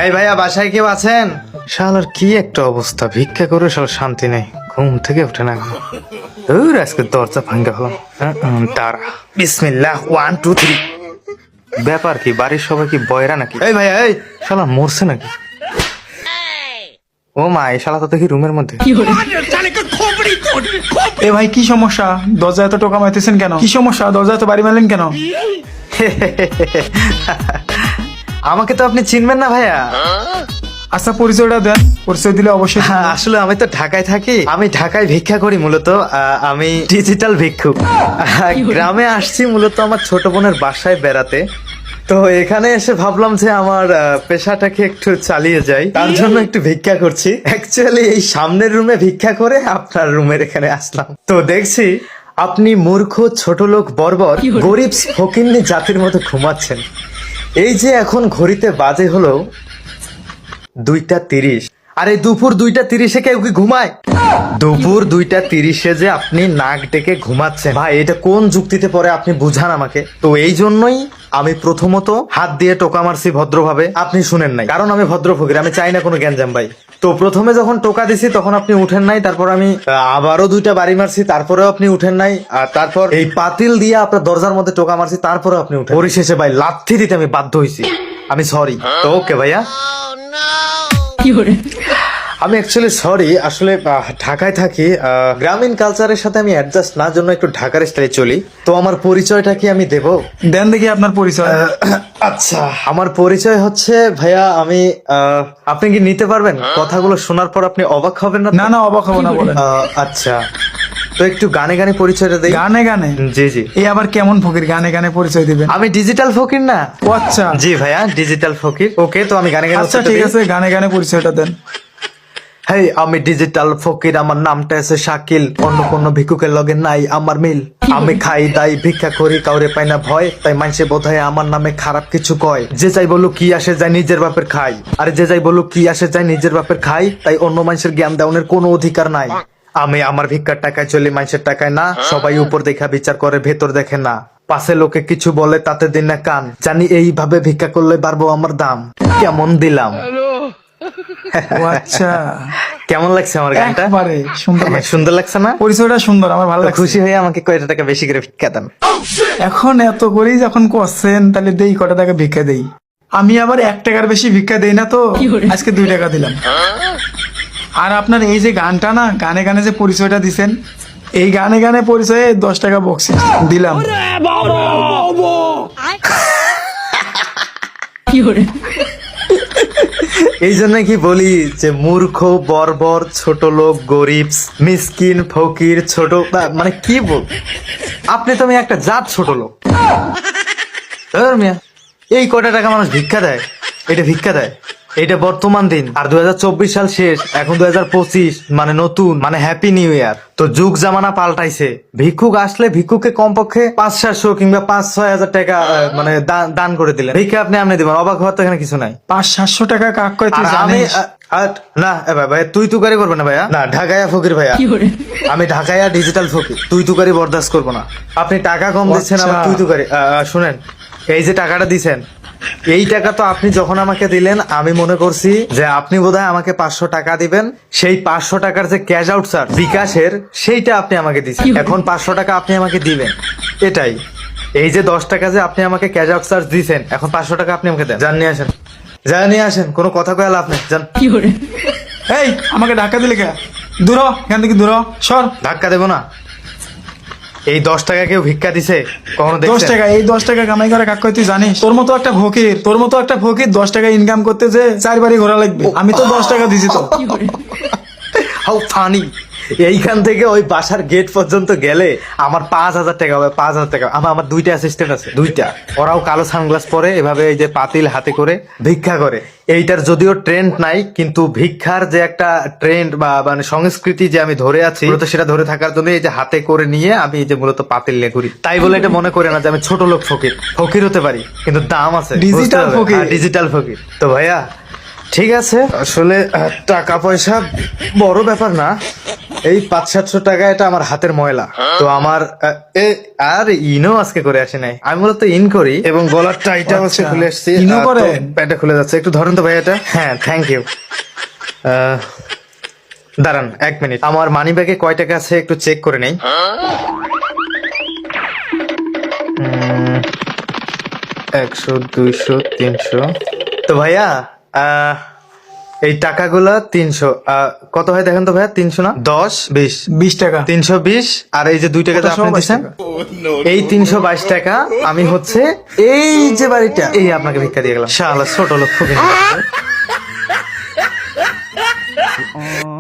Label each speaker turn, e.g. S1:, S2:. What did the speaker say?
S1: ভাইয়া বাসায় কেউ আছেন? শালার কি একটা অবস্থা, ভিক্ষা করে শালা শান্তি নেই, ঘুম থেকে উঠে না। আজকে দরজা ভাঙ্গা হলাম। তারা বিসমিল্লাহ 1 2 3। ব্যাপার কি, বাড়ির সবাই কি বয়রা নাকি? এই ভাইয়া, এই শালা মরছে নাকি? ও মা, এই শালা তো দেখি রুমের মধ্যে।
S2: এ ভাই কি সমস্যা? দরজা এত টোকা মারতেছেন কেন? কি সমস্যা? দরজা এত বাড়ি মারলেন কেন?
S1: আমাকে তো আপনি চিনবেন না ভাইয়া।
S2: আচ্ছা পরিচয়টা দেন, পরিচয় দিলে অবশ্যই।
S1: আসলে আমি তো ঢাকায় থাকি, আমি ঢাকায় ভিক্ষা করি মূলত। আমি ডিজিটাল ভিক্ষুক। গ্রামে আসছি মূলত আমার ছোট বোনের বাসায় বেড়াতে। তো এখানে এসে ভাবলাম যে আমার পেশাটাকে একটু চালিয়ে যাই, তার জন্য একটু ভিক্ষা করছি। অ্যাকচুয়ালি এই সামনের রুমে ভিক্ষা করে আপনার রুমের এখানে আসলাম। তো দেখছি আপনি মূর্খ, ছোট লোক, বর্বর, গরিব ফকিন্নি জাতির মতো ঘুমাচ্ছেন। এই যে এখন ঘড়িতে বাজে হলো 2টা 30। আরে দুপুর 2টা 30-এ কেউ কি ঘুমায়? দুপুর 2টা 30-এ যে আপনি নাক ডেকে ঘুমাচ্ছেন, ভাই এটা কোন যুক্তিতে পরে আপনি বুঝান আমাকে। তো এই জন্যই আমি প্রথমত হাত দিয়ে টোকা মারছি ভদ্রভাবে, আপনি শুনেন নাই, কারণ আমি ভদ্র ফকির, আমি চাই না কোনো গ্যাঞ্জাম ভাই। তো প্রথমে যখন টোকা দিছি তখন আপনি উঠেন নাই, তারপর আমি আবারও 2টা বাড়ি মারছি, তারপরেও আপনি উঠেন নাই, আর তারপর এই পাতিল দিয়ে আপনার দরজার মধ্যে টোকা মারছি, তারপরেও আপনি উঠেন। পরিশেষে ভাই লাথি দিতে আমি বাধ্য হয়েছি। আমি সরি। তো ওকে ভাইয়া, আমি অ্যাকচুয়ালি সরি। আসলে ঢাকায় থাকি, গ্রামীণ কালচারের সাথে আমি অ্যাডজাস্ট না, জন্য একটু ঢাকার স্টাইলে চলি। তো আমার পরিচয়টা কি আমি দেব?
S2: দেন দেখি আপনার পরিচয়।
S1: আচ্ছা, আমার পরিচয় হচ্ছে ভাইয়া, আমি আপনি কি নিতে পারবেন? কথাগুলো শোনার পর আপনি অবাক হবেন না?
S2: না না, অবাক হবো না, বলেন।
S1: আচ্ছা, তো একটু গানে গানে পরিচয়টা দেই।
S2: গানে গানে?
S1: জি জি।
S2: এই আবার কেমন ফকির গানে গানে পরিচয় দিবেন?
S1: আমি ডিজিটাল ফকির না?
S2: ও আচ্ছা।
S1: জি ভাইয়া, ডিজিটাল ফকির। ওকে, তো আমি গানে গানে।
S2: আচ্ছা ঠিক আছে, গানে গানে পরিচয়টা দেন।
S1: হেই, আমি ডিজিটাল ফকির, আমার নামটা আছে শাকিল, অন্য কোন ভিক্ষুকের লগে নাই আমার মিল। আমি খাই দাই ভিক্ষা করি, কাউরে পাই না ভয়, তাই মানুষে বোধহয় আমার নামে খারাপ কিছু কয়। যে যাই বলুক কি আসে যায় নিজের বাপের খাই, আরে যে যাই বলুক কি আসে যায় নিজের বাপের খাই, তাই অন্য মানুষের জ্ঞান দেওয়ার কোনো অধিকার নাই। আমি আমার ভিক্ষার টাকায় চলি, মানুষের টাকায় না। সবাই উপর দেখা বিচার করে, ভেতর দেখে না। পাশে লোকে কিছু বলে তাতে দিন না কান, জানি এইভাবে ভিক্ষা করলে বাড়বো আমার দাম। কেমন দিলাম?
S2: ও আচ্ছা,
S1: কেমন লাগছে আমার গানটা?
S2: একবারে সুন্দর লাগছে।
S1: সুন্দর লাগছে না?
S2: পরিচয়টা সুন্দর, আমার ভালো লাগছে।
S1: খুশি হয়ে আমাকে কয়টা টাকা বেশি করে ভিক্ষা দেন।
S2: এখন এত করেই যখন করছেন, তাহলে দেই কটা টাকা ভিক্ষা দেই। আমি আবার 1 টাকার বেশি ভিক্ষা দেই না, তো আজকে 2 টাকা দিলাম। আর আপনার এই যে গানটা না, গানে গানে যে পরিচয়টা দিছেন, এই গানে গানে পরিচয়ে 10 টাকা বক্সিস দিলাম।
S1: এই জন্য কি বলি যে মূর্খ, বর্বর, ছোট লোক, গরিব, মিসকিন, ফকির, ছোট, মানে কি বল, আপনি তো আমি একটা জাত ছোট লোক। মিয়া, এই কটা টাকা মানুষ ভিক্ষা দেয়? এটা ভিক্ষা দেয়? এটা বর্তমান দিন, আর 2024 সাল শেষ, এখন 2025, মানে নতুন, মানে হ্যাপি নিউ ইয়ার। তো যুগ জামানা পাল্টাইছে। ভিক্ষুক আসলে ভিক্ষুককে কমপক্ষে 500-700 কিংবা 5-6 হাজার টাকা মানে দান করে দিলেন, ভিক্ষা আপনি দিবেন। অবাক হওয়ার তো এখানে কিছু নাই।
S2: 500-700 টাকা কাক কয় তুই
S1: আমি
S2: জানিস?
S1: না ভাই, তুই তুকারি করবে না ভাইয়া, না ঢাকাইয়া ফকির ভাইয়া, আমি ঢাকাইয়া ডিজিটাল ফকির, তুই তুকারি বরদাস্ত করবো না। আপনি টাকা কম দিচ্ছেন, আমার তুই তুকারি। শুনেন, এই যে টাকাটা দিছেন, এই টাকা তো আপনি যখন আমাকে দিলেন, আমি মনে করছি যে আপনি বোধহয় আমাকে 500 টাকা দিবেন। সেই 500 টাকার যে ক্যাশ আউট চার্জ বিকাশের, সেইটা আপনি আমাকে দিচ্ছেন। এখন 500 টাকা আপনি আমাকে দিবেন, এটাই। এই যে 10 টাকা যে আপনি আমাকে ক্যাশ আউট চার্জ দিচ্ছেন, এখন 500 টাকা আপনি আমাকে দেন। যান নিয়ে আসেন, যা নিয়ে আসেন, কোনো কথা কয়ে লাভ নেই, যান।
S2: এই আমাকে ধাক্কা দিলে কে? দূর হ, এখান থেকে দূর হ, সর।
S1: ধাক্কা দেবো না। এই 10 টাকা কেউ ভিক্ষা দিছে কখনো?
S2: 10 টাকা, এই 10 টাকা কামাই করে কাক কয় তুই জানিস? তোর মতো একটা ফকির 10 টাকা ইনকাম করতে যে 4 বাড়ি ঘোরা লাগবে। আমি তো 10 টাকা দিছি তো।
S1: How funny! এইখান থেকে ওই বাসার গেট পর্যন্ত গেলে আমার 5,000 টাকা হবে। 5,000 টাকা। আমার 2টা অ্যাসিস্ট্যান্ট আছে, 2টা। ওরাও কালো সানগ্লাস পরে, এভাবে এই যে পাতিল হাতে করে ভিক্ষা করে। এইটার যদিও ট্রেন্ড নাই, কিন্তু ভিক্ষার যে একটা ট্রেন্ড বা মানে সংস্কৃতি যে আমি ধরে আছি, মূলত সেটা ধরে থাকার জন্য এই যে হাতে করে নিয়ে আমি এই যে মূলত পাতিল নিয়ে ঘুরি। তাই বলে এটা মনে করে না যে আমি ছোট লোক ফকির হতে পারি, কিন্তু দাম আছে।
S2: ডিজিটাল ফকির।
S1: ডিজিটাল ফকির। তো ভাইয়া ঠিক আছে, আসলে টাকা পয়সা বড় ব্যাপার না। এই 500-700 টাকা এটা আমার হাতের ময়লা। তো আমার আর ইনও আজকে করে আসে নাই, আমি মূলত ইন করি এবং গলার টাইটা হচ্ছে
S2: আচ্ছা,
S1: খুলে আসছি।
S2: ইনও করেন?
S1: প্যান্টটা খুলে যাচ্ছে, একটু ধরেন তো ভাই এটা। হ্যাঁ, থ্যাংক ইউ। দাঁড়ান 1 মিনিট, আমার মানি ব্যাগে কয় টাকা আছে একটু চেক করে নেই। 100, 200, 300। তো ভাইয়া এই টাকাগুলা 300 কত হয় দেখেন তো ভাইয়া? 300 না 10, 20,
S2: 20 টাকা।
S1: 320। আর এই যে 2 টাকা যে
S2: ওটা
S1: আপনি
S2: 122
S1: দিচ্ছেন,
S2: টাকা।
S1: এই 322 টাকা আমি হচ্ছে এই যে বাড়িটা এই আপনাকে ভিক্ষা দিয়ে গেলাম। শালা ছোট লোক ফকির।